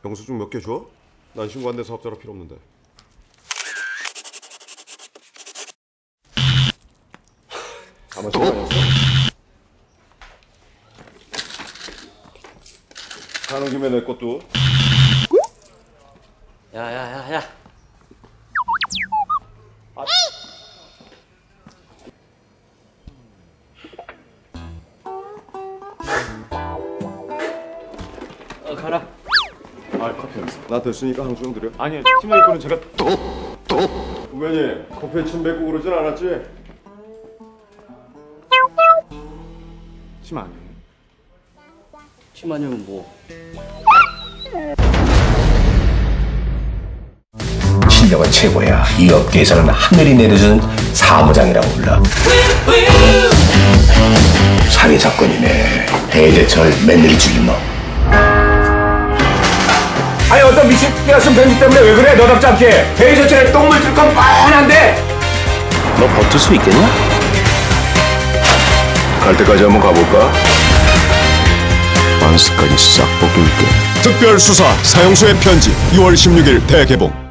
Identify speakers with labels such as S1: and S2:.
S1: 영수증 몇 개 줘? 난 신고 안 된 사업자라 필요 없는데. 아마 시간이었어? 가는 김에 내 것도.
S2: 야야야야. 가라.
S1: 아, 커피 여기 있어. 나 됐으니까 한 줄 드려.
S3: 아니요, 팀장님 거는 제가
S1: 후배님, 커피에 침 뱉고 그러진 않았지?
S3: 침 아니에요.
S2: 침 아니면 뭐?
S4: 실력은 최고야. 이 업계에서는 하늘이 내려준 사무장이라고 불러. 살해사건이네. 대대철 맨들이 죽인 놈. 아니 어떤 미친 끼었으면 편지 때문에 왜 그래? 너답지 않게. 대대철에 똥물 줄 건 뻔한데. 너 버틸 수 있겠냐?
S1: 갈 때까지 한번 가볼까?
S4: 완스까지 싹 벗길게.
S1: 특별수사 사형수의 편지 2월 16일 대개봉.